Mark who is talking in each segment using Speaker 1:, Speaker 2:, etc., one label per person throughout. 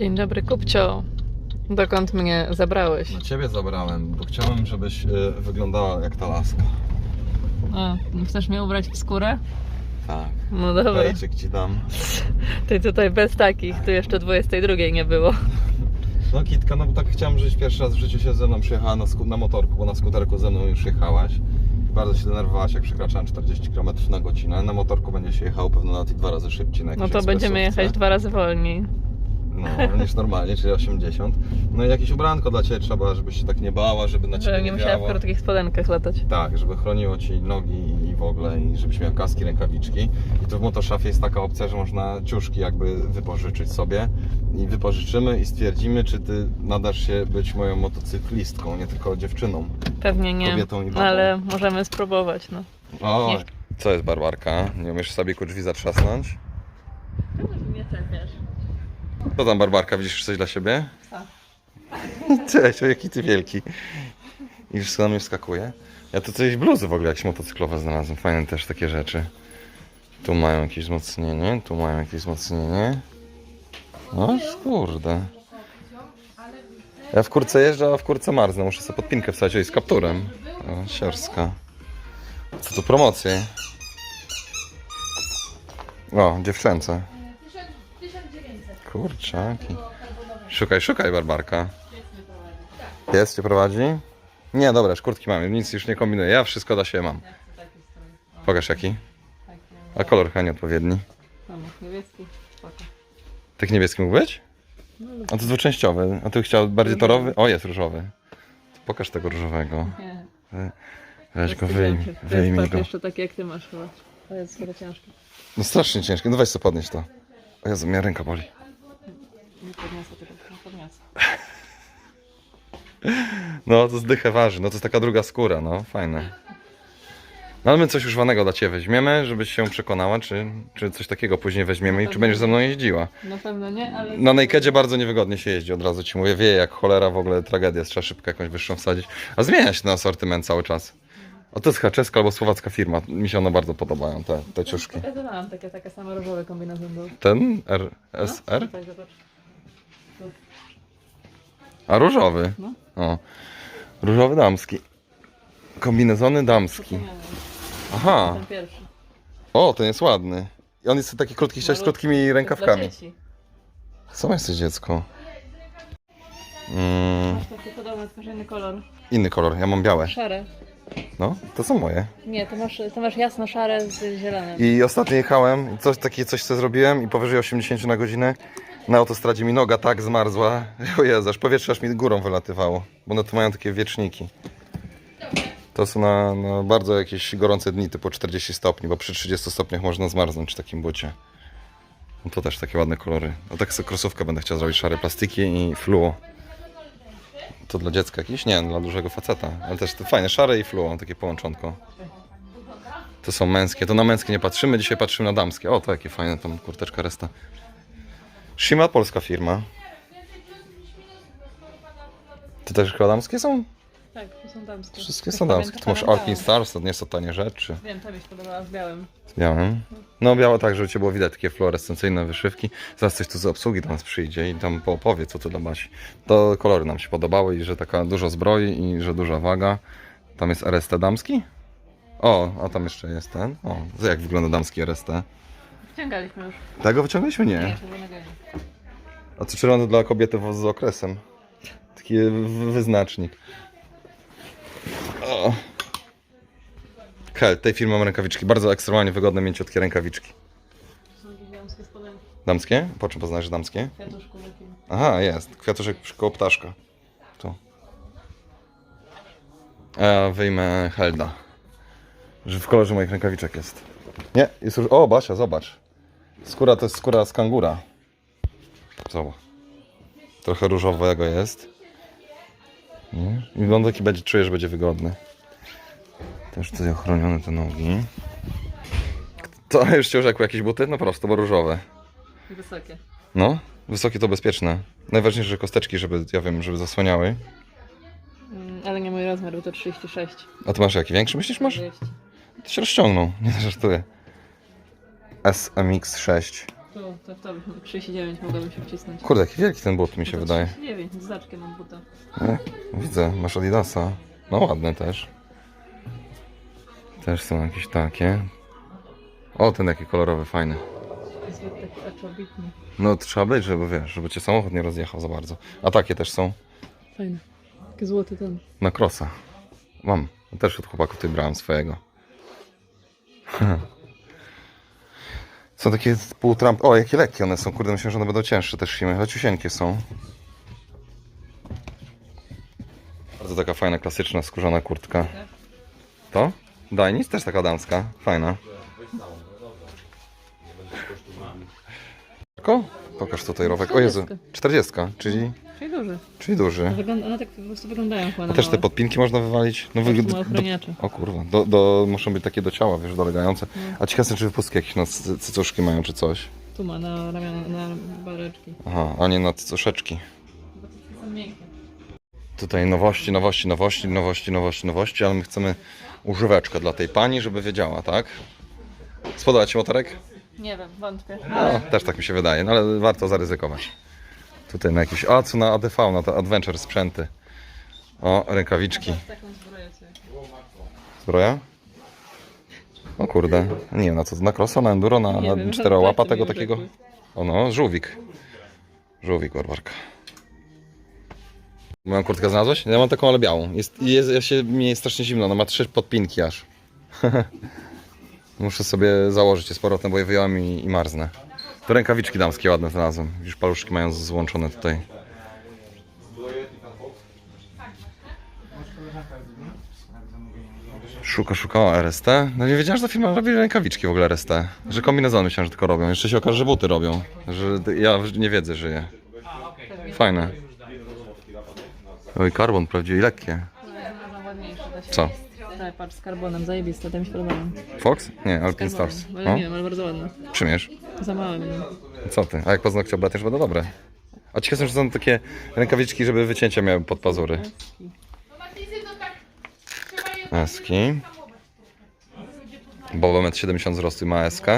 Speaker 1: Dzień dobry, Kupcio. Dokąd mnie zabrałeś?
Speaker 2: No ciebie zabrałem, bo chciałem, żebyś wyglądała jak ta laska.
Speaker 1: A, chcesz mnie ubrać w skórę?
Speaker 2: Tak.
Speaker 1: No dobra.
Speaker 2: Pejczyk ci dam.
Speaker 1: Ty tutaj bez takich, tu jeszcze 22 nie było.
Speaker 2: No Kitka, no bo tak chciałem, żebyś pierwszy raz w życiu się ze mną przyjechała na motorku, bo na skuterku ze mną już jechałaś. Bardzo się denerwowałaś, jak przekraczałem 40 km na godzinę. Na motorku będzie się jechało pewno nawet i 2 razy szybciej na
Speaker 1: No
Speaker 2: jakiejś
Speaker 1: to będziemy
Speaker 2: ekspresówce.
Speaker 1: jechać 2 razy wolniej.
Speaker 2: No, niż normalnie, czyli 80. No i jakieś ubranko dla ciebie trzeba, żebyś się tak nie bała, żeby na ciebie
Speaker 1: Żebym
Speaker 2: nie
Speaker 1: nie musiała w
Speaker 2: wiało.
Speaker 1: krótkich spodenkach latać.
Speaker 2: Tak, żeby chroniło ci nogi i w ogóle, i żebyś miał kaski, rękawiczki. I tu w Motoszafie jest taka opcja, że można ciuszki jakby wypożyczyć sobie. I wypożyczymy i stwierdzimy, czy ty nadasz się być moją motocyklistką, nie tylko dziewczyną.
Speaker 1: Pewnie nie,
Speaker 2: Kobietą i babą.
Speaker 1: ale możemy spróbować, no.
Speaker 2: O,
Speaker 1: Nie.
Speaker 2: co jest Barbarka? Nie umiesz sobie drzwi zatrzasnąć?
Speaker 1: Nie czepiasz.
Speaker 2: Co tam Barbarka, widzisz coś dla siebie?
Speaker 1: Tak.
Speaker 2: Cześć, o jaki ty wielki. I już co na mnie wskakuje? Ja tu coś bluzy w ogóle jakieś motocyklowe znalazłem, fajne też takie rzeczy. Tu mają jakieś wzmocnienie, tu mają jakieś wzmocnienie. No kurde. Ja w kurce jeżdżę, a w kurce marznę, muszę sobie podpinkę wstać, oj, z kapturem. O, siorska. Co tu promocje? O, dziewczęce.
Speaker 3: 1900.
Speaker 2: Kurczaki. Szukaj, szukaj Barbarka. Jest, cię prowadzi? Nie, dobra, szkurtki mamy, nic już nie kombinuję, ja wszystko dla siebie mam. Pokaż jaki. A kolor chyba nieodpowiedni.
Speaker 1: Niebieski, spoko.
Speaker 2: Tak niebieski mógł być? A to jest dwuczęściowy, a ty chciał bardziej torowy? O, jest różowy. To pokaż tego różowego.
Speaker 1: Nie.
Speaker 2: Weź go,
Speaker 1: To
Speaker 2: wyjmij
Speaker 1: jest
Speaker 2: go.
Speaker 1: jeszcze takie jak ty masz chyba. To jest chyba ciężkie.
Speaker 2: No strasznie ciężkie, no weź sobie podnieś to. O Jezu, mnie ręka boli.
Speaker 1: Nie podniosę tego, nie podniosę.
Speaker 2: No to zdychę waży, no to jest taka druga skóra, no fajne. No ale my coś używanego dla ciebie weźmiemy, żebyś się przekonała, czy coś takiego później weźmiemy i czy będziesz ze mną jeździła.
Speaker 1: Na pewno nie, ale...
Speaker 2: Na Nakedzie bardzo niewygodnie się jeździ, od razu ci mówię, wieje jak cholera, w ogóle tragedia, trzeba szybko jakąś wyższą wsadzić. A zmienia się ten asortyment cały czas. O, to jest czeska albo słowacka firma, mi się one bardzo podobają, te ciuszki.
Speaker 1: Ja mam takie same różowe kombinezon był.
Speaker 2: Ten RSR?
Speaker 1: Tak, zobacz.
Speaker 2: A różowy?
Speaker 1: No.
Speaker 2: O, różowy damski. Kombinezony damski. Aha,
Speaker 1: Ten pierwszy.
Speaker 2: o, ten jest ładny. I on jest taki krótki, chciałeś z krótkimi rękawkami. Co jesteś dziecko?
Speaker 1: Masz taki podobny, tylko inny kolor.
Speaker 2: Inny kolor, ja mam białe.
Speaker 1: Szare.
Speaker 2: No, to są moje.
Speaker 1: Nie, to masz jasno-szare z zielonym.
Speaker 2: I ostatnio jechałem, coś co zrobiłem i powyżej 80 na godzinę na autostradzie mi noga tak zmarzła. O Jezu, aż powietrze aż mi górą wylatywało, bo one tu mają takie wieczniki. To są na bardzo jakieś gorące dni, typu 40 stopni, bo przy 30 stopniach można zmarznąć w takim bucie. No to też takie ładne kolory. No tak sobie krosówkę będę chciał zrobić, szare plastiki i fluo. To dla dziecka jakiś? Nie, dla dużego faceta. Ale też to fajne, szare i fluo, takie połączonko. To są męskie, to na męskie nie patrzymy, dzisiaj patrzymy na damskie. O, to jakie fajne, tam kurteczka resta. Shima, polska firma. To też chyba damskie są?
Speaker 1: Tak, to są damskie.
Speaker 2: Wszystkie są damskie. Tu masz Alpine Stars, to nie są tanie rzeczy.
Speaker 1: Wiem, to mi się podobała z białym.
Speaker 2: Z białym. No białe tak, żeby cię było widać, takie fluorescencyjne wyszywki. Zaraz coś tu z obsługi do nas przyjdzie i tam poopowie, co tu dla Basi. To kolory nam się podobały i że taka dużo zbroi i że duża waga. Tam jest RST damski? O, a tam jeszcze jest ten. O, jak wygląda damski RST?
Speaker 1: Wciągaliśmy już.
Speaker 2: Tego wyciągnęliśmy? Nie.
Speaker 1: Czerwonego nie.
Speaker 2: A co czerwony dla kobiety z okresem? Taki wyznacznik. O. Tej firmy mam rękawiczki. Bardzo ekstremalnie wygodne, mięciutkie rękawiczki.
Speaker 1: To są jakieś damskie spodenki.
Speaker 2: Damskie? Po czym poznajesz damskie?
Speaker 1: Kwiatuszku takim.
Speaker 2: Aha, jest. Kwiatuszek koło ptaszka. Tu. A ja wyjmę Helda. Że w kolorze moich rękawiczek jest. Nie, jest już... O, Basia, zobacz. Skóra to jest skóra z kangura. Zobacz. Trochę różowego jest. Nie? I wygląda taki będzie, czuję, że będzie wygodny. Też tutaj ochronione te nogi. To już cię urzekły jakieś buty? No prosto, bo różowe.
Speaker 1: Wysokie.
Speaker 2: No, wysokie to bezpieczne. Najważniejsze, że kosteczki, żeby, ja wiem, żeby zasłaniały.
Speaker 1: Ale nie mój rozmiar, bo to 36.
Speaker 2: A ty masz jaki? Większy myślisz masz?
Speaker 1: 40.
Speaker 2: To się rozciągnął, nie żartuję. SMX6.
Speaker 1: To 39 mogłabym się wcisnąć.
Speaker 2: Kurde, jaki wielki ten but mi się wydaje.
Speaker 1: 39, z zaczkiem mam buta.
Speaker 2: Widzę, masz Adidasa. No ładne też. Też są jakieś takie. O, ten jaki kolorowy, fajny.
Speaker 1: Jest taki aczobitny.
Speaker 2: No trzeba być, żeby wiesz, żeby cię samochód nie rozjechał za bardzo. A takie też są.
Speaker 1: Fajny. Taki złoty ten.
Speaker 2: Na crossa. Mam. Też od chłopaków tutaj brałem swojego. Są takie pół Trump. O, jakie lekkie one są. Kurde, myślę, że one będą cięższe też siły. Leciusieńkie są. Bardzo taka fajna, klasyczna, skórzana kurtka. To? Dajnis też taka damska. Fajna. Ko? Pokaż tutaj rowek. O Jezu, 40, czyli
Speaker 1: Czyli duży.
Speaker 2: duży.
Speaker 1: One tak po prostu wyglądają chyba
Speaker 2: A
Speaker 1: na
Speaker 2: też te
Speaker 1: małe.
Speaker 2: podpinki można wywalić? No
Speaker 1: Ma ochroniacze.
Speaker 2: O kurwa, muszą być takie do ciała, wiesz, dolegające. A ciekawe jestem, czy wypustki jakieś na cycuszki mają, czy coś.
Speaker 1: Tu ma na ramiona, na bareczki.
Speaker 2: Aha, a nie na cycuszeczki.
Speaker 1: Bo to są miękkie.
Speaker 2: Tutaj nowości, ale my chcemy używeczkę dla tej pani, żeby wiedziała, tak? Spodoba ci motorek?
Speaker 1: Nie wiem, wątpię.
Speaker 2: No, też tak mi się wydaje, no ale warto zaryzykować. Tutaj na jakiś, a co na ADV, na te Adventure sprzęty. O, rękawiczki.
Speaker 1: Taką zbroję sobie.
Speaker 2: Zbroja? O kurde, nie na co, na crossa, na enduro,
Speaker 1: Nie
Speaker 2: na
Speaker 1: wiem,
Speaker 2: czterołapa
Speaker 1: żadne
Speaker 2: tego
Speaker 1: mi
Speaker 2: takiego?
Speaker 1: urzekły.
Speaker 2: O no, żółwik. Żółwik, Orwarka. Moją kurtkę znalazłeś? Ja mam taką, ale białą. Mi jest strasznie zimno, ona ma 3 podpinki aż. Muszę sobie założyć je z powrotem, bo je wyjąłem i marznę. To rękawiczki damskie ładne znalazłem. Już paluszki mają złączone tutaj. Szuka o RST. No nie wiedziałem, że ta firma robi rękawiczki w ogóle RST. Że kombinezony myślałem, że tylko robią. Jeszcze się okaże, że buty robią. Że ja w niewiedzy żyję. Fajne. Oj, karbon prawdziwie i lekkie.
Speaker 1: Znalazłam ładniejsze. Da się.
Speaker 2: Co?
Speaker 1: Tak, patrz, z karbonem, zajebiste, te mi się podobają.
Speaker 2: Fox? Nie, Alpine
Speaker 1: Karbonem,
Speaker 2: Stars.
Speaker 1: ale
Speaker 2: O,
Speaker 1: nie wiem, ale bardzo ładne.
Speaker 2: przymierz.
Speaker 1: Za małe będą.
Speaker 2: Co ty? A jak paznokcie oblatesz, będą dobre. A ciekawe, że są takie rękawiczki, żeby wycięcia miały pod pazury. Eski. Boba 1,70 m wzrostu i ma SK.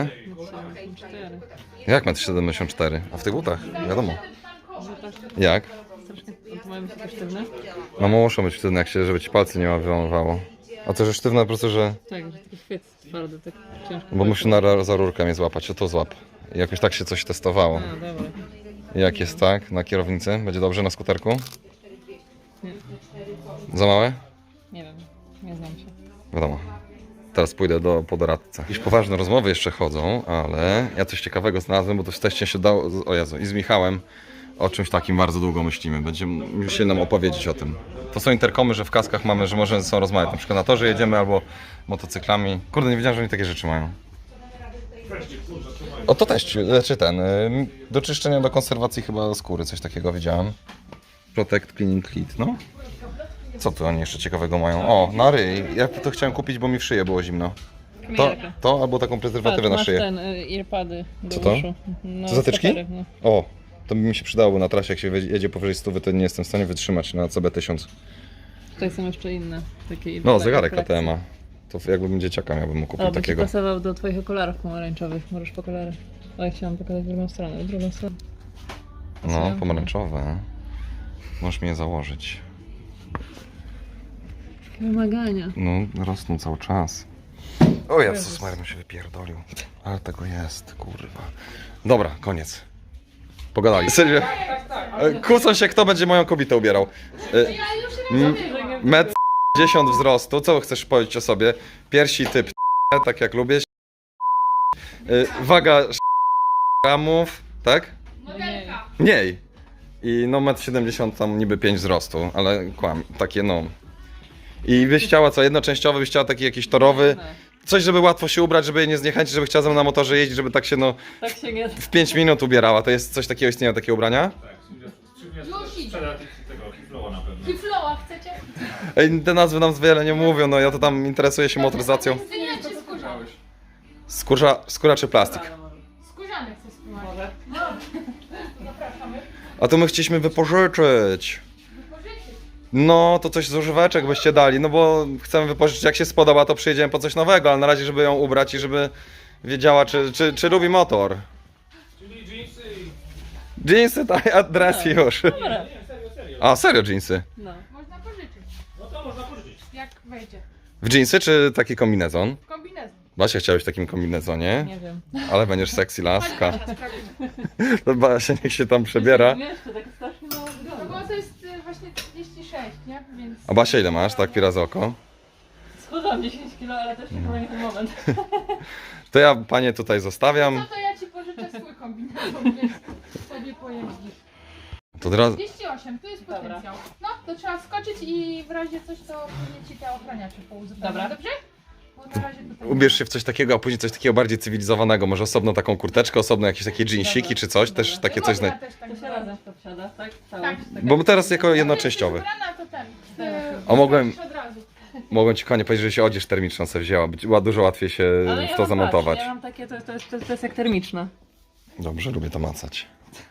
Speaker 2: Jak 1,74 m? A w tych butach? Wiadomo. Jak?
Speaker 1: To mają być takie sztywne?
Speaker 2: No muszą być sztywne, żeby ci palce nie wyłamywało. A to, że sztywne po prostu, że...
Speaker 1: Tak, że taki chwyt twardy, tak ciężko.
Speaker 2: Bo musi za rurkę mnie złapać, o to złap. I jakoś tak się coś testowało.
Speaker 1: A, dobra.
Speaker 2: Jak jest tak na kierownicy? Będzie dobrze na skuterku?
Speaker 1: Nie.
Speaker 2: Za małe?
Speaker 1: Nie wiem, nie znam się.
Speaker 2: Wiadomo. Teraz pójdę po doradcę. Jakieś poważne rozmowy jeszcze chodzą, ale ja coś ciekawego znalazłem, bo to w teście się dało... O Jezu, i z Michałem o czymś takim bardzo długo myślimy. Musieli nam opowiedzieć o tym. To są interkomy, że w kaskach mamy, że możemy ze sobą rozmawiać. Na przykład na torze jedziemy albo motocyklami. Kurde, nie wiedziałem, że oni takie rzeczy mają. O, to też, czy do czyszczenia, do konserwacji chyba skóry, coś takiego widziałem. Protect Cleaning Kit, no. Co tu oni jeszcze ciekawego mają? O, na ryj. Ja to chciałem kupić, bo mi w szyję było zimno. To albo taką prezerwatywę na
Speaker 1: masz
Speaker 2: szyję.
Speaker 1: ten, earpady do
Speaker 2: Co to?
Speaker 1: uszu. No,
Speaker 2: To zatyczki?
Speaker 1: stepery, no.
Speaker 2: O, to by mi się przydało, bo na trasie jak się jedzie powyżej 100, to nie jestem w stanie wytrzymać na CB1000.
Speaker 1: Tutaj są jeszcze inne. Takie
Speaker 2: No, zegarek KTM-a. To jakbym dzieciaka miałbym mu kupił
Speaker 1: O, by ci
Speaker 2: takiego.
Speaker 1: pasował do twoich okularów pomarańczowych. Możesz po kolorach. O, ja chciałam pokazać drugą stronę. Drugą stronę.
Speaker 2: No, pomarańczowe. Możesz mi je założyć.
Speaker 1: Takie wymagania.
Speaker 2: No, rosną cały czas. O Jezus, Maria się wypierdolił. Ale tego jest, kurwa. Dobra, koniec. Pogadali. Serio? Kłócą się, kto będzie moją kobietę ubierał. Metr 10 wzrostu. Co chcesz powiedzieć o sobie? Piersi typ tak jak lubię. Waga gramów, tak?
Speaker 3: Modelka.
Speaker 2: Mniej. I no 1,70 m tam niby 5 wzrostu, ale takie no. I byś chciała co, jednoczęściowy, byś chciała taki jakiś torowy, coś żeby łatwo się ubrać, żeby jej nie zniechęcić, żeby chciała ze mną na motorze jeździć, żeby tak się no
Speaker 1: Tak się nie...
Speaker 2: w 5 minut ubierała. To jest coś takiego, istnieją takie ubrania?
Speaker 3: Już idzie.
Speaker 4: Sprzeda tego Kifloa na pewno.
Speaker 3: Kifloa chcecie?
Speaker 2: Ej, te nazwy nam wiele nie mówią, no ja to tam interesuję się motoryzacją.
Speaker 3: Skórzane czy skórzane?
Speaker 2: Skóra czy plastik?
Speaker 3: Skórzane chcę spróbować. Zapraszamy.
Speaker 2: A to my chcieliśmy wypożyczyć.
Speaker 3: Wypożyczyć.
Speaker 2: No, to coś z używeczek byście dali, no bo chcemy wypożyczyć, jak się spodoba, to przyjedziemy po coś nowego, ale na razie, żeby ją ubrać i żeby wiedziała, czy lubi motor.
Speaker 4: Dzień
Speaker 2: Jeansy, a dres już.
Speaker 1: Dobra.
Speaker 2: A, serio jeansy?
Speaker 1: No.
Speaker 3: Można pożyczyć,
Speaker 4: No to można pożyczyć.
Speaker 3: jak wejdzie.
Speaker 2: W jeansy czy taki kombinezon?
Speaker 3: Kombinezon.
Speaker 2: Basia, chciałeś w takim kombinezonie?
Speaker 1: Nie wiem.
Speaker 2: Ale będziesz sexy laska.
Speaker 3: Teraz sprawdzimy.
Speaker 2: To Basia niech się tam przebiera.
Speaker 1: Wiesz, to tak strasznie mało
Speaker 3: No
Speaker 1: wygląda.
Speaker 3: bo to jest właśnie 36, nie? Więc...
Speaker 2: A Basia ile masz, tak pira z oko?
Speaker 1: Schudłam 10 kg, ale też chyba nie ten moment.
Speaker 2: To ja panie tutaj zostawiam.
Speaker 3: No to ja ci pożyczę swój kombinezon, więc sobie pojeździsz.
Speaker 2: To od razu...
Speaker 3: 38, tu jest
Speaker 1: Dobra.
Speaker 3: potencjał. No, to trzeba wskoczyć i w razie coś to później ci te ochraniacze pouzupełnią.
Speaker 1: Dobra.
Speaker 3: Dobrze? Bo na razie tutaj...
Speaker 2: Ubierz się w coś takiego, a później coś takiego bardziej cywilizowanego. Może osobno taką kurteczkę, osobno jakieś takie jeansiki
Speaker 1: Dobra.
Speaker 2: czy coś. Też
Speaker 1: Dobra.
Speaker 2: takie coś...
Speaker 3: Można też tak
Speaker 1: To się
Speaker 3: zrobić.
Speaker 1: razem w to wsiada, tak? Całość.
Speaker 3: Tak.
Speaker 1: taka-
Speaker 2: Bo teraz jako
Speaker 3: Jak
Speaker 2: jednoczęściowy.
Speaker 3: jesteś ubrana, to ten.
Speaker 2: A mogłem-
Speaker 3: Od razu.
Speaker 2: Mogłem ci konie powiedzieć, że się odzież termiczną sobie wzięła. Była dużo łatwiej się
Speaker 1: Ale
Speaker 2: w
Speaker 1: ja
Speaker 2: to
Speaker 1: mam,
Speaker 2: zamontować.
Speaker 1: patrz, ja mam takie, to jest jak termiczne.
Speaker 2: Dobrze, lubię to macać.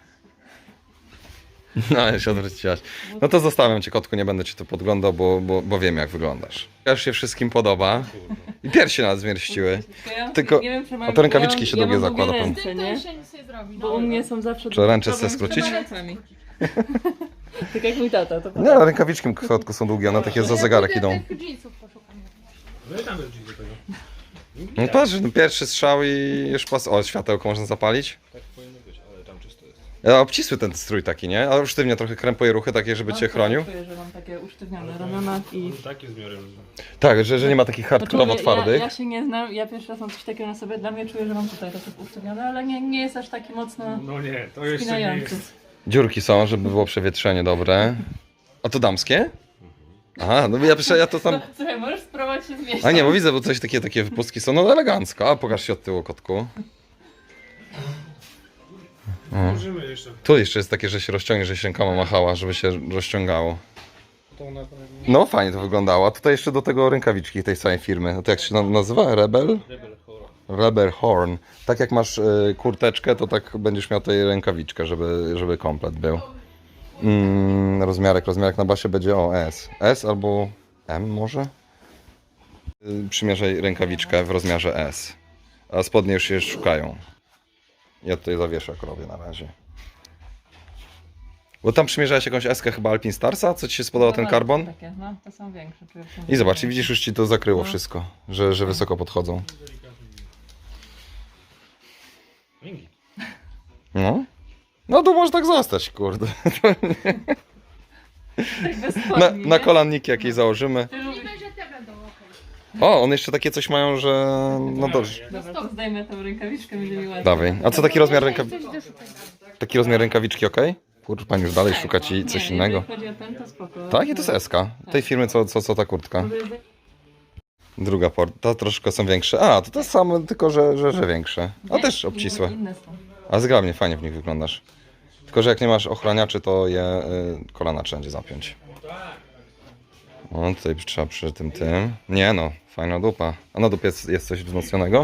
Speaker 2: No, ja się odwróciłaś. No to zostawiam cię, kotku, nie będę ci tu podglądał, bo wiem jak wyglądasz. Już się wszystkim podoba. I piersi nas zmierściły. Tylko-
Speaker 1: nie wiem, czy mam,
Speaker 2: a to rękawiczki
Speaker 1: ja
Speaker 2: się
Speaker 1: mam,
Speaker 2: długie
Speaker 1: ja mam
Speaker 2: zakłada,
Speaker 1: długie
Speaker 2: pan.
Speaker 3: Z
Speaker 1: ręce,
Speaker 3: tym to
Speaker 1: nie?
Speaker 3: już się nic nie zrobi.
Speaker 1: Bo u mnie są zawsze
Speaker 2: Czy ręce
Speaker 1: problem
Speaker 2: chcesz
Speaker 1: z
Speaker 2: skrócić?
Speaker 1: rękami. Tak jak mój tata, to
Speaker 2: Nie, rękawiczki w kotku są długie, one takie za zegarek idą.
Speaker 3: Tych jeansów poszukam.
Speaker 4: No i tam jest do tego.
Speaker 2: No patrz, no pierwszy strzał i już pas... O, światełko można zapalić.
Speaker 4: Tak powinno być, ale tam czysto jest.
Speaker 2: Obcisły ten strój taki, nie? Ale sztywnia trochę krępuje ruchy takie, żeby cię chronił.
Speaker 1: Czuję, że mam takie usztywnione ramiona i...
Speaker 4: Taki zbiorem.
Speaker 2: Tak, że nie ma takich hardkorowo
Speaker 1: Znaczy, ja
Speaker 2: twardych.
Speaker 1: się nie znam, ja pierwszy raz mam coś takiego na sobie, dla mnie czuję, że mam tutaj takie usztywnione, ale nie jest aż taki mocno
Speaker 4: No nie, to jeszcze nie
Speaker 1: spinający.
Speaker 4: jest.
Speaker 2: Dziurki są, żeby było przewietrzenie dobre. A to damskie? Aha, no ja to tam...
Speaker 1: Słuchaj, możesz spróbować się zmieścić.
Speaker 2: A nie, bo widzę, bo coś takie wypustki są, no elegancko. A pokaż się od tyłu, kotku.
Speaker 4: Możemy jeszcze.
Speaker 2: Tu jeszcze jest takie, że się rozciągnie, że się rękoma machała, żeby się rozciągało.
Speaker 4: To na pewno.
Speaker 2: No fajnie to wyglądało. A tutaj jeszcze do tego rękawiczki tej samej firmy. No to jak się nazywa? Rebel?
Speaker 4: Rebel horror.
Speaker 2: Rebel Horn. Tak jak masz kurteczkę, to tak będziesz miał tutaj rękawiczkę, żeby komplet był. Rozmiarek na basie będzie S. S albo M może? Przymierzaj rękawiczkę w rozmiarze S. A spodnie już się szukają. Ja tutaj zawieszak robię na razie. Bo tam przymierzałeś jakąś eskę chyba Alpin Starsa? Co ci się spodobał ten karbon?
Speaker 1: Takie, no, to są większe. Czuję, że są
Speaker 2: I zobacz, i
Speaker 1: większe.
Speaker 2: widzisz, już ci to zakryło
Speaker 1: No.
Speaker 2: wszystko, że wysoko podchodzą.
Speaker 4: Linki.
Speaker 2: No. No to może tak zostać, kurde.
Speaker 1: Tak bez
Speaker 2: Na,
Speaker 1: spodni,
Speaker 2: na
Speaker 1: nie?
Speaker 2: kolaniki jakieś założymy.
Speaker 1: Ty lubisz...
Speaker 3: Możliwe, że te będą okej.
Speaker 2: O, one jeszcze takie coś mają, że... No dobrze.
Speaker 1: Dobra, to zdejmę tą rękawiczkę, będzie mi łatwiej.
Speaker 2: Dawaj. A co taki rozmiar rękawiczki?
Speaker 3: Coś doszukać.
Speaker 2: Taki rozmiar rękawiczki, ok? Kurczę, pan już dalej szuka ci coś
Speaker 1: Nie,
Speaker 2: innego.
Speaker 1: jeżeli chodzi o ten, to spoko.
Speaker 2: Tak, i to jest SK. Tej firmy, co ta kurtka.
Speaker 1: Może jest-
Speaker 2: Druga porta, troszkę są większe. A, to same, tylko że większe. A
Speaker 1: Nie,
Speaker 2: też obcisłe.
Speaker 1: Inne są.
Speaker 2: A zgrabnie, fajnie w nich wyglądasz. Tylko, że jak nie masz ochraniaczy, to je kolana trzeba będzie zapiąć. O, tutaj trzeba przy tym. Nie no, fajna dupa. A na dupie jest coś wzmocnionego?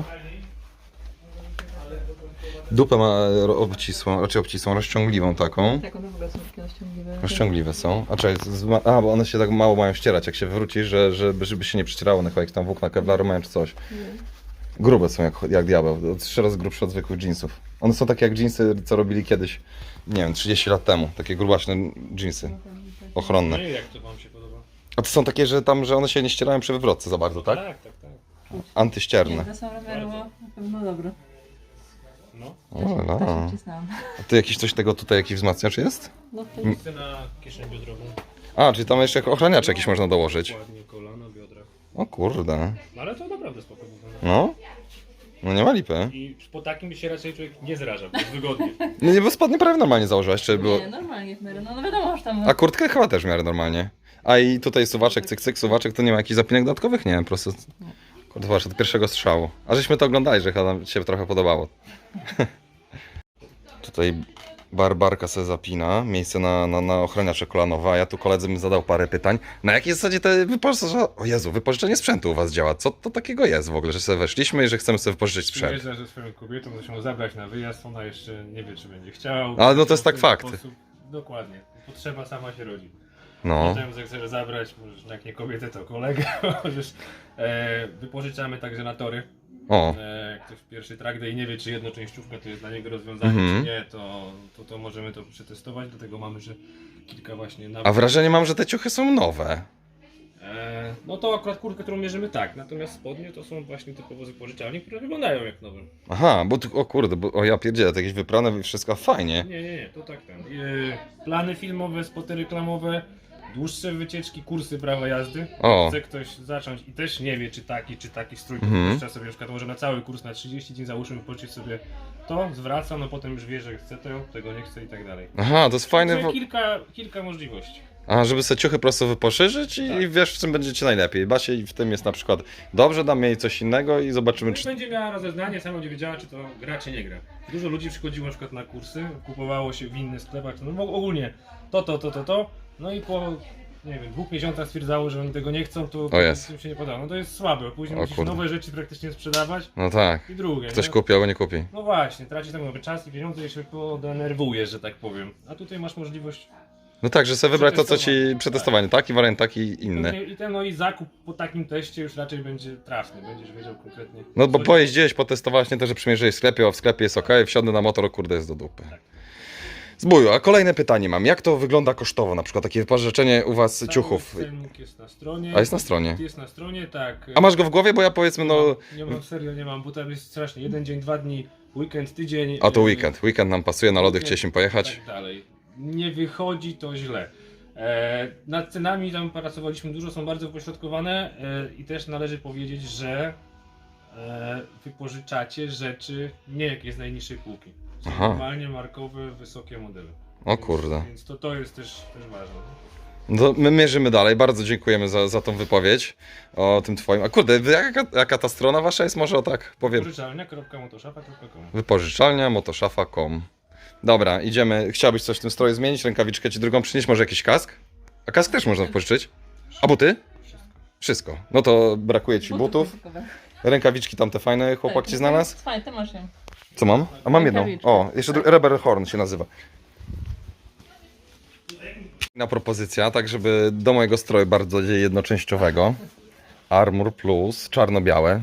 Speaker 2: Dupę ma obcisłą, rozciągliwą taką.
Speaker 1: Tak, one w ogóle są takie rozciągliwe.
Speaker 2: Rozciągliwe są. A czekaj, bo one się tak mało mają ścierać, jak się wywrócisz, żeby się nie przycierało na jakieś tam włókna kevlaru mają czy coś. Grube są jak diabeł, 3 razy grubsze od zwykłych jeansów. One są takie jak jeansy, co robili kiedyś, nie wiem, 30 lat temu. Takie grubaśne jeansy, ochronne.
Speaker 4: No i jak to wam się podoba?
Speaker 2: A to są takie, że one się nie ścierają przy wywrotce za bardzo, tak?
Speaker 4: Tak.
Speaker 1: Nie,
Speaker 2: Antyścierne.
Speaker 1: to są rozmiarowo na pewno dobre.
Speaker 4: No.
Speaker 2: O,
Speaker 1: To
Speaker 2: la.
Speaker 1: się wcisnąłem.
Speaker 2: A tu jakiś coś tego tutaj, jakiś wzmacniacz jest?
Speaker 1: No to
Speaker 4: Chcę na kieszeń biodrową.
Speaker 2: A, czyli tam jeszcze ochraniacz jakiś można dołożyć.
Speaker 4: Ładnie kolana, biodra.
Speaker 2: O kurde.
Speaker 4: No ale to naprawdę spokojnie.
Speaker 2: No. No nie ma lipy.
Speaker 4: I po takim by się raczej człowiek nie zraża, bo jest wygodnie.
Speaker 2: No nie, bo spodnie prawie normalnie założyłaś, czy było...
Speaker 1: nie, normalnie w miarę. No wiadomo, że tam...
Speaker 2: A kurtkę chyba też w miarę normalnie. A i tutaj suwaczek, cyk, suwaczek, to nie ma jakichś zapinek dodatkowych? Nie, po prostu... Kurde, zobacz, od pierwszego strzału. A żeśmy to oglądali, że chyba nam się trochę podobało. Tutaj barbarka sobie zapina, miejsce na ochraniacze kolanowe, a ja tu koledzy mi zadał parę pytań. Na jakiej zasadzie te wypożyczenie... O Jezu, wypożyczenie sprzętu u was działa? Co to takiego jest w ogóle, że sobie weszliśmy i że chcemy sobie wypożyczyć sprzęt?
Speaker 4: Przyjeżdża ze swoją kobietą, muszę ją zabrać na wyjazd, ona jeszcze nie wie, czy będzie chciał.
Speaker 2: Ale no to jest tak
Speaker 4: W ten
Speaker 2: fakt.
Speaker 4: sposób- Dokładnie. Potrzeba sama się rodzi.
Speaker 2: No.
Speaker 4: Potem jak chcesz zabrać, możesz jak nie kobietę, to kolegę, możesz. Wypożyczamy także na tory.
Speaker 2: O.
Speaker 4: Jak ktoś pierwszy track day nie wie, czy jednoczęściówka to jest dla niego rozwiązanie,
Speaker 2: Mhm.
Speaker 4: czy nie, to możemy to przetestować, dlatego mamy, że kilka właśnie
Speaker 2: A wrażenie mam, że te ciuchy są nowe.
Speaker 4: No to akurat kurtkę, którą mierzymy tak, natomiast spodnie to są właśnie typowo z wypożyczalni, które wyglądają jak nowe.
Speaker 2: Aha, bo tu, o kurde, o ja pierdzielę, to jakieś wyprane i wszystko fajnie.
Speaker 4: Nie, to tak ten. Plany filmowe, spoty reklamowe, dłuższe wycieczki, kursy prawa jazdy.
Speaker 2: O.
Speaker 4: Chce ktoś zacząć i też nie wie, czy taki strój, to
Speaker 2: Mhm.
Speaker 4: puszcza sobie na przykład może na cały kurs, na 30 dni załóżmy, wypożyczyć sobie to, zwraca, no potem już wie, że chce to, tego nie chce i tak dalej.
Speaker 2: Aha, to jest fajne.
Speaker 4: Także kilka możliwości.
Speaker 2: A, żeby sobie ciuchy po prostu wyposzerzyć i
Speaker 4: Tak.
Speaker 2: wiesz, w czym będziecie najlepiej. Basie i w tym jest na przykład dobrze, dam jej coś innego i zobaczymy,
Speaker 4: No i
Speaker 2: czy...
Speaker 4: będzie miała rozeznanie, sama będzie wiedziała, czy to gra, czy nie gra. Dużo ludzi przychodziło na przykład na kursy, kupowało się w innych sklepach, no ogólnie to, no i po, nie wiem, 2 miesiącach stwierdzało, że oni tego nie chcą, to
Speaker 2: O jest.
Speaker 4: im się nie podoba. No to jest słabe, później
Speaker 2: O
Speaker 4: musisz
Speaker 2: kurde.
Speaker 4: nowe rzeczy praktycznie sprzedawać
Speaker 2: No tak.
Speaker 4: i drugie.
Speaker 2: Ktoś
Speaker 4: nie?
Speaker 2: kupi albo nie kupi.
Speaker 4: No właśnie, tracisz tak nowy czas i pieniądze i się podenerwujesz, że tak powiem. A tutaj masz możliwość
Speaker 2: No tak, że sobie wybrać to, co ci przetestowanie, taki wariant, taki inny.
Speaker 4: i zakup po takim teście już raczej będzie trafny, będziesz wiedział konkretnie.
Speaker 2: No bo
Speaker 4: co-
Speaker 2: pojeździłeś, potestowałeś, nie to, że przymierzyłeś w sklepie, a w sklepie jest ok, wsiądę na motor, kurde, jest do dupy. Zbuju, a kolejne pytanie mam. Jak to wygląda kosztowo, na przykład takie wypożyczenie u was
Speaker 4: Cały
Speaker 2: ciuchów?
Speaker 4: cennik jest na stronie.
Speaker 2: A jest na stronie.
Speaker 4: Jest na stronie, tak.
Speaker 2: A masz go w głowie, bo ja powiedzmy, no...
Speaker 4: Nie mam, serio nie mam, bo tam jest strasznie. Jeden dzień, 2 dni, weekend, tydzień.
Speaker 2: A to weekend. Weekend nam pasuje, na lody chcieliśmy pojechać.
Speaker 4: Tak dalej. Nie wychodzi to źle. Nad cenami tam pracowaliśmy dużo, są bardzo wypośrodkowane i też należy powiedzieć, że wypożyczacie rzeczy nie jakieś z najniższej półki. Są
Speaker 2: Aha.
Speaker 4: normalnie markowe, wysokie modele.
Speaker 2: O kurde.
Speaker 4: Więc to jest też ważne.
Speaker 2: No, my mierzymy dalej. Bardzo dziękujemy za tą wypowiedź o tym twoim. A kurde, jaka ta strona wasza jest? Może o tak powiem.
Speaker 4: Wypożyczalnia.motoszafa.com.
Speaker 2: Wypożyczalnia motoszafa.com. Dobra, idziemy. Chciałbyś coś w tym stroju zmienić? Rękawiczkę ci drugą przynieść? Może jakiś kask? A kask też można wypożyczyć. A buty? Wszystko. No to brakuje ci butów.
Speaker 1: językowe.
Speaker 2: Rękawiczki tamte fajne chłopak
Speaker 1: Tak,
Speaker 2: ci znalazł.
Speaker 1: Fajnie, ty masz ją.
Speaker 2: Co mam? A mam jedną.
Speaker 1: Rękawiczkę.
Speaker 2: O, jeszcze Rebel Horn się nazywa. Na propozycja, tak żeby do mojego stroju bardzo jednoczęściowego. Armor Plus, czarno-białe.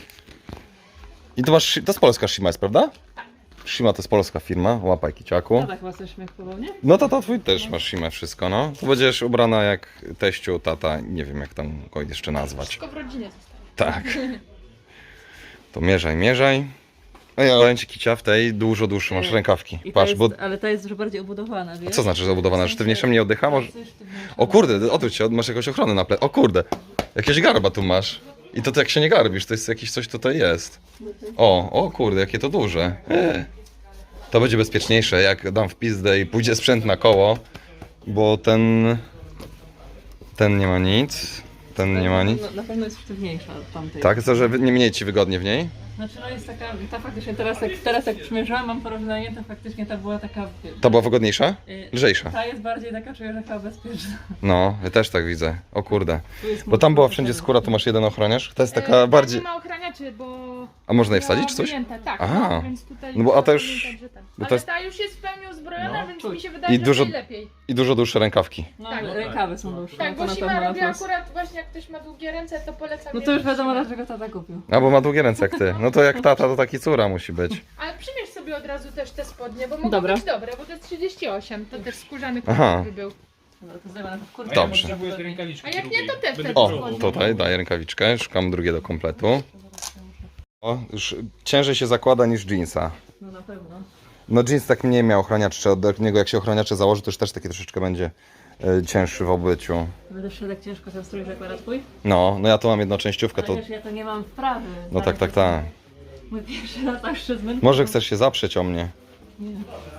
Speaker 2: I to masz, to jest polska Shima jest, prawda? Shima to jest polska firma, łapaj kiciaku.
Speaker 1: No tak, chyba coś śmiech podobnie.
Speaker 2: No to twój też masz Shima wszystko, no. To będziesz ubrana jak teściu, tata, nie wiem jak tam go jeszcze nazwać.
Speaker 3: Wszystko w rodzinie zostało.
Speaker 2: Tak. To mierzaj. No ja powiem ci kicia, w tej dużo dłuższe masz rękawki.
Speaker 1: I ta
Speaker 2: Patrz,
Speaker 1: jest,
Speaker 2: bo...
Speaker 1: ale ta jest już bardziej obudowana, wiesz?
Speaker 2: A co znaczy zabudowana? Sztywniejsze mnie oddycha? Może...
Speaker 1: Coś sztywniejsze.
Speaker 2: O kurde, odwróć się, masz jakąś ochronę na ple... O kurde, jakieś garba tu masz. I to jak się nie garbisz, to jest jakieś coś tutaj jest. O kurde, jakie to duże. To będzie bezpieczniejsze, jak dam w pizdę i pójdzie sprzęt na koło. Bo ten nie ma nic. Ten nie ma nic.
Speaker 1: Na pewno jest sztywniejsza od tamtej.
Speaker 2: Tak, to że nie mniej ci wygodnie w niej?
Speaker 1: Znaczy no jest taka, ta faktycznie teraz jak przymierzyłam, mam porównanie, to faktycznie ta była taka...
Speaker 2: Ta była wygodniejsza?
Speaker 1: y,
Speaker 2: Lżejsza.
Speaker 1: Ta jest bardziej taka, czuję, że chyba bezpieczna.
Speaker 2: No, ja też tak widzę. O kurde.
Speaker 1: Tu jest
Speaker 2: Bo tam była
Speaker 1: mocno
Speaker 2: wszędzie
Speaker 1: taka-
Speaker 2: skóra, tu masz jeden ochroniarz. To jest taka
Speaker 3: Tam
Speaker 2: bardziej...
Speaker 3: nie ma ochraniaczy, bo...
Speaker 2: A można je wsadzić czy coś?
Speaker 3: Wyjęte, tak,
Speaker 2: Aha.
Speaker 3: więc tutaj
Speaker 2: No bo a
Speaker 3: trzeba
Speaker 2: to już-
Speaker 3: pamiętać, że tak.
Speaker 2: bo to
Speaker 3: Ale
Speaker 2: jest-
Speaker 3: ta już jest w pełni uzbrojona,
Speaker 4: No.
Speaker 3: więc
Speaker 1: Czuć.
Speaker 3: mi się wydaje,
Speaker 2: I
Speaker 3: że
Speaker 2: dużo-
Speaker 3: najlepiej.
Speaker 2: I dużo dłuższe rękawki.
Speaker 1: No,
Speaker 3: Tak.
Speaker 1: rękawy są dłuższe.
Speaker 3: Tak,
Speaker 1: no to
Speaker 3: bo
Speaker 1: na
Speaker 3: Shima
Speaker 1: pewno na
Speaker 3: robi
Speaker 1: plus.
Speaker 3: akurat właśnie jak ktoś ma długie ręce, to polecam.
Speaker 1: No to już
Speaker 3: jednak
Speaker 1: wiadomo,
Speaker 3: Shima.
Speaker 1: dlaczego tata kupił.
Speaker 2: A bo ma długie ręce jak ty. No to jak tata, to taki córa musi być.
Speaker 3: Ale przymierz sobie od razu też te spodnie, bo mogą
Speaker 1: Dobra.
Speaker 3: być dobre, bo to jest 38, to też skórzany
Speaker 2: Aha.
Speaker 3: kolor by był.
Speaker 1: Dobra, to zdejmę na to w kurtce.
Speaker 2: Dobrze.
Speaker 4: Potrzebujesz rękawiczki
Speaker 3: A jak nie,
Speaker 4: drugiej.
Speaker 3: to te
Speaker 4: Będę
Speaker 3: wtedy
Speaker 2: O,
Speaker 3: spodnie.
Speaker 2: tutaj daję rękawiczkę, szukam drugiego kompletu. O, już ciężej się zakłada niż jeansa.
Speaker 1: No na pewno.
Speaker 2: No jeans tak mniej miał ochraniacze, od niego jak się ochraniacze założy, to już też taki troszeczkę będzie cięższy w obyciu.
Speaker 1: Będę szedł jak ciężko ten strój zakłada twój.
Speaker 2: No ja tu mam jednoczęściówkę,
Speaker 1: Ale
Speaker 2: to...
Speaker 1: wiesz, ja to nie mam wprawy.
Speaker 2: No tak.
Speaker 1: Mój pierwszy raz zawsze zmęczony.
Speaker 2: Może chcesz się zaprzeć o mnie?
Speaker 1: Nie.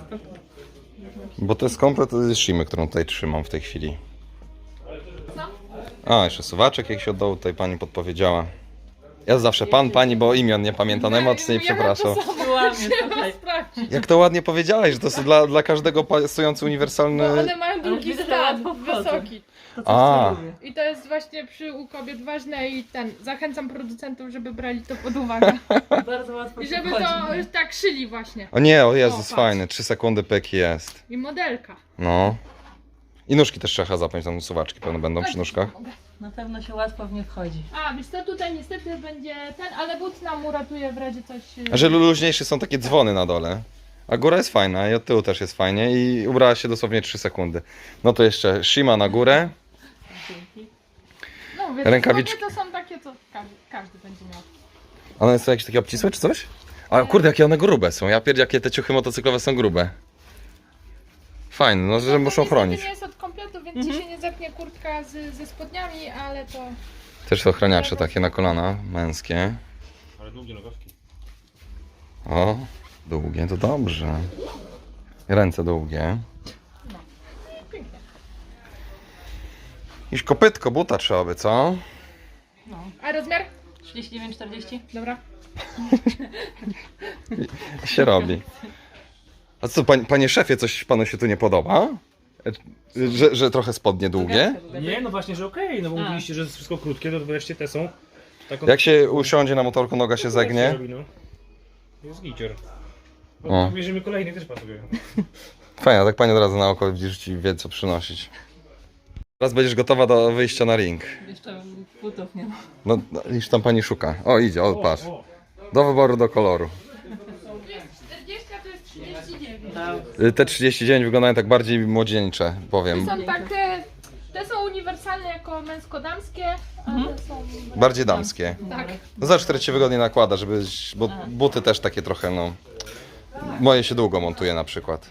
Speaker 2: Bo to jest komplet z Shimy, którą tutaj trzymam w tej chwili. A, jeszcze suwaczek jak się oddał, tutaj pani podpowiedziała. Ja zawsze pan, pani, bo imion nie pamiętam, najmocniej przepraszam.
Speaker 1: Łamie, słuchaj.
Speaker 3: Sprawdź.
Speaker 2: Jak to ładnie powiedziałeś, że to jest dla każdego pasujący uniwersalny...
Speaker 3: No one mają długi
Speaker 1: widzę, że
Speaker 3: stan,
Speaker 1: łatwo wchodzą.
Speaker 3: wysoki.
Speaker 1: To coś,
Speaker 2: A.
Speaker 1: co lubię.
Speaker 3: I to jest właśnie u kobiet ważne i zachęcam producentów, żeby brali to pod uwagę.
Speaker 1: Bardzo łatwo
Speaker 3: I
Speaker 1: się
Speaker 3: żeby
Speaker 1: wchodzi,
Speaker 3: to
Speaker 1: nie?
Speaker 3: tak szyli właśnie.
Speaker 2: O nie, o Jezus,
Speaker 3: O, patrz.
Speaker 2: fajny, 3 sekundy pyk jest.
Speaker 3: I modelka.
Speaker 2: No. I nóżki też trzeba zapiąć, tam suwaczki pewno będą przy nóżkach.
Speaker 1: Na pewno się łatwo w nie wchodzi.
Speaker 3: A, wiesz co, tutaj niestety będzie ten, ale but nam uratuje w razie coś...
Speaker 2: A że luźniejsze są takie dzwony na dole. A góra jest fajna i od tyłu też jest fajnie i ubrała się dosłownie 3 sekundy. No to jeszcze Shima na górę.
Speaker 1: Dzięki.
Speaker 3: No, wiesz,
Speaker 2: Rękawiczki.
Speaker 3: spodnie to są takie, co każdy będzie miał.
Speaker 2: One są jakieś takie obcisłe czy coś? A kurde, jakie one grube są. Ja pierdzie, jakie te ciuchy motocyklowe są grube. Fajne, no że
Speaker 3: To
Speaker 2: muszą
Speaker 3: niestety
Speaker 2: chronić.
Speaker 3: nie jest od kompletu, więc ci się nie zepnie kurtka ze spodniami, ale to...
Speaker 2: Też są ochraniacze takie na kolana, męskie.
Speaker 4: Ale długie nogawki.
Speaker 2: O, długie, to dobrze. Ręce długie.
Speaker 3: Pięknie.
Speaker 2: Iż kopytko buta trzeba by, co?
Speaker 1: No.
Speaker 3: A rozmiar?
Speaker 1: 39-40?
Speaker 3: Dobra.
Speaker 2: Się robi. A co, panie szefie, coś panu się tu nie podoba? Że trochę spodnie długie?
Speaker 4: Nie, no właśnie, że okej, no bo
Speaker 1: A.
Speaker 4: mówiliście, że jest wszystko krótkie, to wreszcie te są. Taką...
Speaker 2: Jak się usiądzie na motorku, noga się zegnie.
Speaker 4: Robi, no. Jest gicior.
Speaker 2: O.
Speaker 4: No, bierzemy kolejny, też pasuje.
Speaker 2: Fajnie, tak pani od razu na oko widzisz, ci wie co przynosić. Teraz będziesz gotowa do wyjścia na ring.
Speaker 1: Jeszcze butów nie ma.
Speaker 2: No, już tam pani szuka. O, idzie, o, patrz.
Speaker 4: O,
Speaker 2: Do wyboru, do koloru.
Speaker 3: Tu jest 40, a tu jest 39.
Speaker 1: Tak.
Speaker 2: Te 39 wyglądają tak bardziej młodzieńcze, powiem.
Speaker 3: Są takie... Te są uniwersalne jako męsko-damskie, a te są...
Speaker 2: Bardziej damskie.
Speaker 3: Tak.
Speaker 2: No zobacz, które ci wygodnie nakłada, żeby... Bo buty też takie trochę, no... Moje się długo montuje na przykład.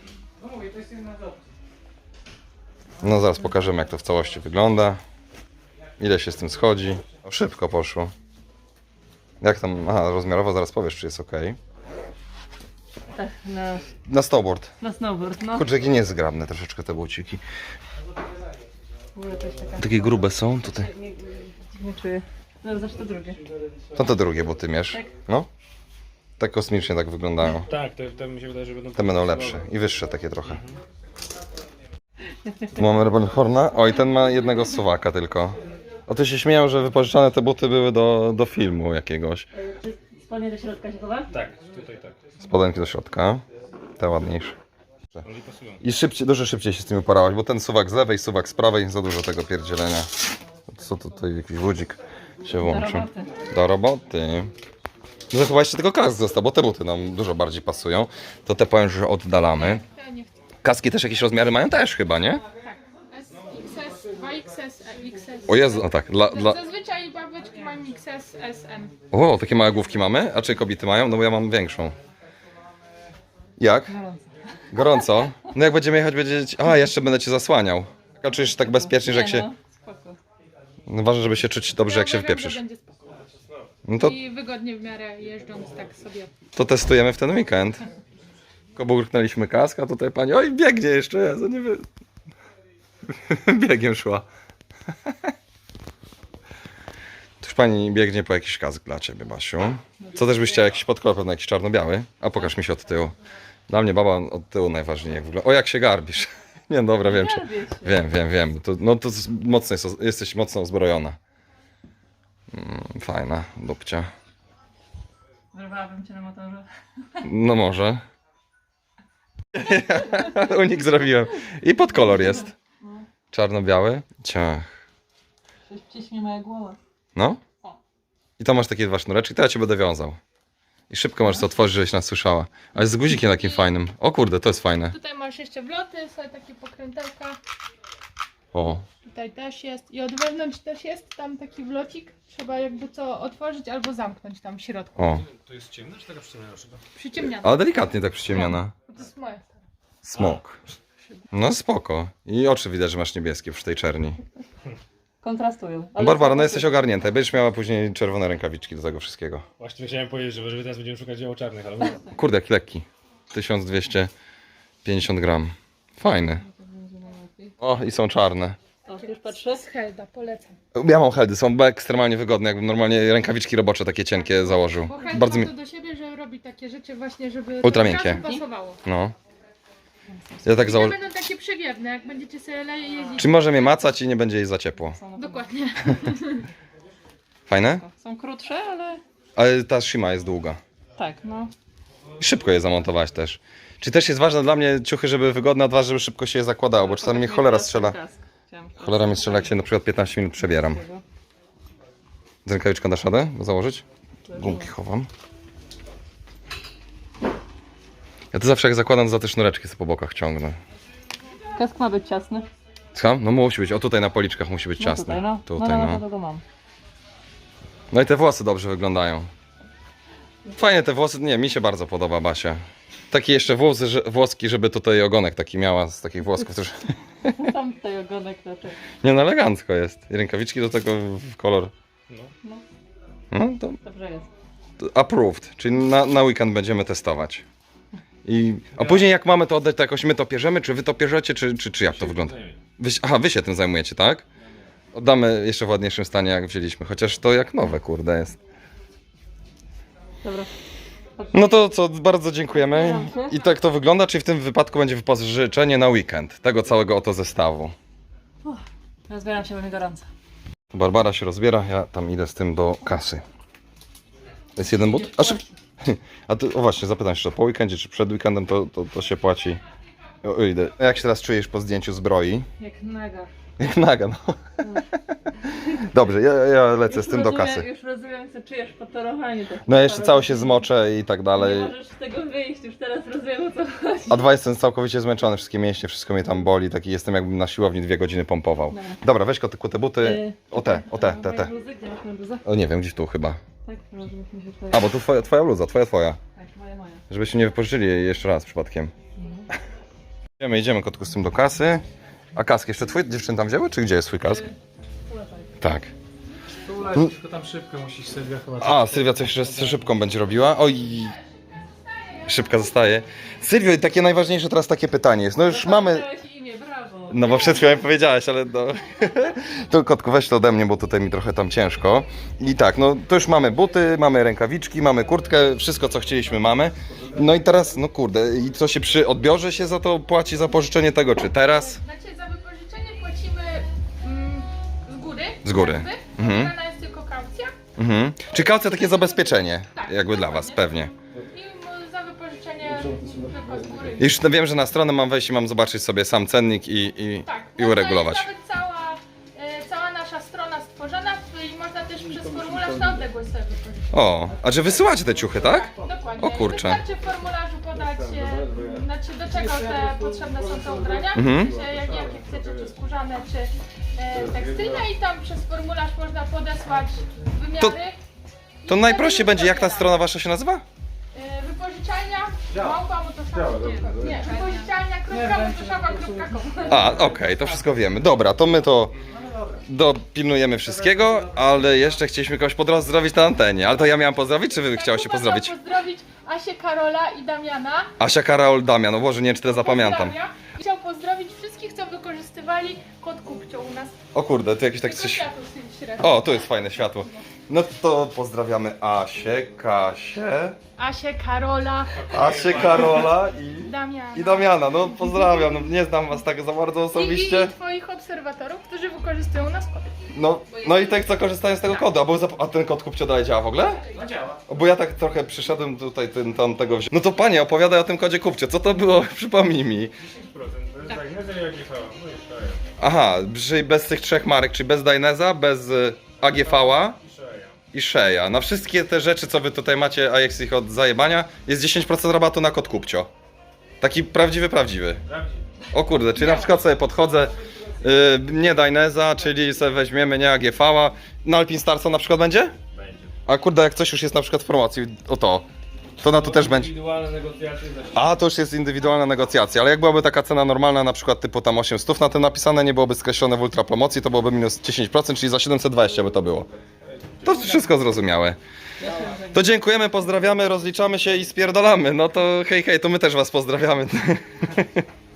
Speaker 2: No zaraz pokażemy, jak to w całości wygląda. Ile się z tym schodzi. O, szybko poszło. Jak tam... Aha, rozmiarowo zaraz powiesz, czy jest ok.
Speaker 1: Tak,
Speaker 2: Na snowboard.
Speaker 1: na snowboard, no.
Speaker 2: Kurczę, jakie niezgrabne troszeczkę te buciki.
Speaker 1: W ogóle to jest taka...
Speaker 2: Takie grube są tutaj.
Speaker 1: Dziwnie czuję. No zawsze to drugie.
Speaker 2: To te drugie buty mierz.
Speaker 1: Tak.
Speaker 2: No. Tak kosmicznie tak wyglądają.
Speaker 4: tak, te mi się wydaje, że będą...
Speaker 2: Te będą lepsze i wyższe takie trochę. Tu mamy Rebelhorna. Oj, ten ma jednego suwaka tylko. O, ty się śmieją, że wypożyczane te buty były do filmu jakiegoś.
Speaker 1: Spodnie do środka się chowa?
Speaker 4: Tak, tutaj tak.
Speaker 2: Spodenki do środka. Te ładniejsze.
Speaker 4: Oni pasują.
Speaker 2: I szybciej, dużo szybciej się z tym uparałaś, bo ten suwak z lewej, suwak z prawej, za dużo tego pierdzielenia. Co tutaj, jakiś budzik się włączył.
Speaker 1: roboty.
Speaker 2: Do roboty. No to chyba jeszcze tylko kask został, bo te buty nam dużo bardziej pasują. To te powiem, że oddalamy.
Speaker 3: Ja nie chcę.
Speaker 2: Kaski też jakieś rozmiary mają też chyba, nie?
Speaker 3: Tak. S, XS, 2XS, XS.
Speaker 2: O Jezu, no tak.
Speaker 3: Zazwyczaj babeczki mają XS, SM.
Speaker 2: O, takie małe główki mamy? A czy kobiety mają? No bo ja mam większą. Jak? Gorąco? No jak będziemy jechać, będzie... A, jeszcze będę cię zasłaniał. A czujesz się tak bezpiecznie, że jak się...
Speaker 1: No, spoko.
Speaker 2: No ważne, żeby się czuć dobrze, jak się
Speaker 3: uważam, że
Speaker 2: wpieprzysz.
Speaker 3: będzie spoko.
Speaker 2: No to,
Speaker 3: I wygodnie w miarę jeżdżąc tak sobie.
Speaker 2: to testujemy w ten weekend. Tylko burknęliśmy kask, a tutaj pani... Oj, biegnie jeszcze, Jezu, nie wiem. Biegiem szła. Już pani biegnie po jakiś kask dla ciebie, Basiu. Co też byś chciała? Jakiś podkolor, pewno jakiś czarno-biały? A pokaż mi się od tyłu. Dla mnie baba od tyłu najważniej, jak wygląda. O, jak się garbisz. Nie, dobra, wiem. Czy... Wiem. To, no to mocno jesteś mocno uzbrojona. Fajna, dupcia.
Speaker 1: Wyrwałabym cię na motorze.
Speaker 2: No może. Unik zrobiłem. I podkolor jest. Czarno-biały. Ciach.
Speaker 1: Coś ciśnie moja głowa.
Speaker 2: No. I tam masz takie dwa sznureczki, to ja cię będę wiązał. I szybko możesz to otworzyć, żebyś nas słyszała. Ale z guzikiem takim fajnym. O kurde, to jest fajne.
Speaker 3: Tutaj masz jeszcze wloty, są takie pokrętełka.
Speaker 2: O.
Speaker 3: Tutaj też jest. I od wewnątrz też jest tam taki wlocik. Trzeba jakby co otworzyć albo zamknąć tam w środku.
Speaker 2: O.
Speaker 4: To jest ciemne, czy taka przyciemniona szyba?
Speaker 3: Przyciemniane.
Speaker 2: Ale delikatnie tak przyciemniona.
Speaker 3: To jest moja stara.
Speaker 2: Smok. No spoko. I oczy widać, że masz niebieskie przy tej czerni.
Speaker 1: Kontrastują.
Speaker 2: No Barbara, no jesteś ogarnięta. Będziesz miała później czerwone rękawiczki do tego wszystkiego.
Speaker 4: Właśnie chciałem powiedzieć, że teraz będziemy szukać dzieł czarnych, ale mówię.
Speaker 2: Kurde, jaki lekki. 1250 gram. Fajny. O, i są czarne.
Speaker 1: O, już patrzę.
Speaker 3: Z Helda, polecam.
Speaker 2: Ja mam heldy, są ekstremalnie wygodne, jakbym normalnie rękawiczki robocze takie cienkie założył.
Speaker 3: Bo Held
Speaker 2: Bardzo
Speaker 3: ma
Speaker 2: mi...
Speaker 3: to do siebie, że robi takie rzeczy właśnie, żeby
Speaker 2: Ultra
Speaker 3: to od
Speaker 2: miękkie.
Speaker 3: razu pasowało.
Speaker 2: No. Ja tak
Speaker 3: I
Speaker 2: założę...
Speaker 3: będą takie przewiewne, jak będziecie sobie jeździć.
Speaker 2: Czy może mnie macać i nie będzie jej za ciepło?
Speaker 3: Dokładnie.
Speaker 2: Fajne?
Speaker 1: Są krótsze, ale...
Speaker 2: Ale ta Shima jest długa.
Speaker 1: Tak, no.
Speaker 2: I szybko je zamontować też. Czy też jest ważne dla mnie ciuchy, żeby wygodne, a dwa, żeby szybko się je zakładało, bo czasami mnie cholera strzela. Cholera mnie strzela, jak się na przykład 15 minut przebieram. Z rękawiczką dasz radę założyć? Gumki chowam. Ja to zawsze jak zakładam, to za te sznureczki sobie po bokach ciągnę.
Speaker 1: Kask ma być ciasny.
Speaker 2: Co? No musi być. O tutaj na policzkach musi być
Speaker 1: No
Speaker 2: ciasny.
Speaker 1: tutaj, no.
Speaker 2: Tutaj,
Speaker 1: no. To mam.
Speaker 2: No i te włosy dobrze wyglądają. Fajnie te włosy, nie, mi się bardzo podoba, Basia. Taki jeszcze włoski, żeby tutaj ogonek taki miała z takich włosków też.
Speaker 1: Tam tutaj ogonek raczej.
Speaker 2: Nie no, elegancko jest. I rękawiczki do tego w kolor.
Speaker 1: No,
Speaker 2: No to
Speaker 1: dobrze jest.
Speaker 2: approved, czyli na weekend będziemy testować. A później jak mamy to oddać, to jakoś my to pierzemy, czy wy to pierzecie, czy jak to wygląda? Wy się tym zajmujecie, tak? Oddamy jeszcze w ładniejszym stanie jak wzięliśmy, chociaż to jak nowe, kurde jest.
Speaker 1: Dobra.
Speaker 2: No to co, bardzo dziękujemy. I tak to wygląda, czyli w tym wypadku będzie wypożyczenie na weekend tego całego oto zestawu.
Speaker 1: Rozbieram się, bo mi gorąco.
Speaker 2: Barbara się rozbiera, ja tam idę z tym do kasy. Jest jeden but? A ty, o właśnie, zapytam się, po weekendzie czy przed weekendem to się płaci? O, idę. Jak się teraz czujesz po zdjęciu zbroi?
Speaker 1: Jak naga.
Speaker 2: Jak naga, no. Dobrze, ja lecę z tym do kasy.
Speaker 1: Już rozumiem, co czujesz po torowaniu.
Speaker 2: No ja jeszcze cały się zmoczę i tak
Speaker 1: Nie
Speaker 2: dalej.
Speaker 1: możesz z tego wyjść, już teraz rozumiem, o co chodzi.
Speaker 2: A dwa, jestem całkowicie zmęczony, wszystkie mięśnie, wszystko mnie tam boli, taki jestem jakbym na siłowni 2 godziny pompował. Dobra, weź kotyku te buty, te.
Speaker 1: Moje bluzy? Gdzie masz moją bluzę?
Speaker 2: O nie wiem, gdzieś tu chyba.
Speaker 1: Tak, rozumiem, mi się tutaj.
Speaker 2: A, bo tu twoja bluza, twoja.
Speaker 1: Tak, moja.
Speaker 2: Żebyście nie wypożyczyli jej jeszcze raz przypadkiem. Idziemy kotku z tym do kasy. A kask jeszcze twój? Dziewczyny tam wzięły? Czy gdzie jest twój kask? Tak.
Speaker 4: Tu tylko tam szybkę musisz Sylwia chyba.
Speaker 2: A, Sylwia coś jeszcze z szybką będzie robiła. Oj, szybka zostaje. Sylwio, takie najważniejsze teraz takie pytanie jest. No już mamy...
Speaker 1: Dałeś imię, brawo.
Speaker 2: No bo przed chwilą mi powiedziałeś, ale no... To kotku, weź to ode mnie, bo tutaj mi trochę tam ciężko. I tak, no to już mamy buty, mamy rękawiczki, mamy kurtkę, wszystko co chcieliśmy mamy. No i teraz, no kurde, i co się przy odbiorze się za to płaci, za pożyczenie tego, czy teraz?
Speaker 3: Znaczy za wypożyczenie płacimy z góry.
Speaker 2: Z góry.
Speaker 3: Jakby.
Speaker 2: Mhm.
Speaker 3: Wybrana jest tylko kaucja.
Speaker 2: Mhm. Czy kaucja takie zabezpieczenie,
Speaker 3: Tak,
Speaker 2: jakby dla was, pewnie.
Speaker 3: I za wypożyczenie tylko z góry.
Speaker 2: I już wiem, że na stronę mam wejść i mam zobaczyć sobie sam cennik i
Speaker 3: No
Speaker 2: uregulować.
Speaker 3: To jest nawet cała nasza strona stworzona i można też przez formularz na odległość sobie wypożyczyć.
Speaker 2: O, a że wysyłacie te ciuchy, tak?
Speaker 3: Dokładnie.
Speaker 2: O kurczę.
Speaker 3: Wystarczy w formularzu podać, znaczy do czego te potrzebne są te ubrania,
Speaker 2: Mhm.
Speaker 3: czy jakie chcecie, czy skórzane, czy tekstylne i tam przez formularz można podesłać wymiary.
Speaker 2: To najprościej będzie, jak ta strona wasza się nazywa?
Speaker 3: Wypożyczalnia małpa.motoszawa.com. Nie, wypożyczalnia.motoszawa.com.
Speaker 2: A, okej, to wszystko wiemy. Dobra, to my to dopilnujemy wszystkiego, ale jeszcze chcieliśmy kogoś pozdrowić na antenie. Ale to ja miałam pozdrowić, czy wy chciałyście pozdrowić?
Speaker 3: Pozdrowić Asię, Karola i Damiana.
Speaker 2: Asia, Karol, Damian, no Boże, nie wiem, czy tyle zapamiętam.
Speaker 3: Pozdrawia. Chciał pozdrowić wszystkich, co wykorzystywali kod kupcio u nas.
Speaker 2: O kurde, tu jakieś tak
Speaker 3: Tylko
Speaker 2: coś...
Speaker 3: światło średnie.
Speaker 2: O, tu jest fajne światło. No to pozdrawiamy Asię, Kasię,
Speaker 3: Asię, Karola,
Speaker 2: Karola
Speaker 3: Damiana.
Speaker 2: i Damiana. No pozdrawiam, no, nie znam was tak za bardzo
Speaker 3: I
Speaker 2: osobiście.
Speaker 3: twoich obserwatorów, którzy wykorzystują nas kody.
Speaker 2: No i tych, co korzystają z tego kodu. A ten kod kupcio dalej działa w ogóle?
Speaker 4: No działa.
Speaker 2: Bo ja tak trochę przyszedłem tutaj, tego wziąłem. No to panie, opowiadaj o tym kodzie kupcio. Co to było? Przypomnij mi.
Speaker 4: 10%. To jest tak, nie jak jechała. No i szaja.
Speaker 2: Aha, czyli bez tych trzech marek, czyli bez Daineza, bez AGV-a
Speaker 4: I szaja.
Speaker 2: i Sheya. Na wszystkie te rzeczy, co wy tutaj macie, a jest ich od zajebania, jest 10% rabatu na kod kupcio. Taki prawdziwy.
Speaker 4: Prawdziwie.
Speaker 2: O kurde, czyli na przykład sobie podchodzę, nie Daineza, czyli sobie weźmiemy nie AGV-a. Na Alpine Starsa na przykład będzie?
Speaker 4: Będzie.
Speaker 2: A kurde, jak coś już jest na przykład w promocji, to na to też będzie.
Speaker 4: Indywidualne negocjacje za
Speaker 2: A, to już jest indywidualna negocjacja, ale jak byłaby taka cena normalna, na przykład typu tam 800 na tym napisane, nie byłoby skreślone w ultra promocji, to byłoby minus 10%, czyli za 720 by to było. To wszystko zrozumiałe. To dziękujemy, pozdrawiamy, rozliczamy się i spierdolamy. No to hej, to my też was pozdrawiamy.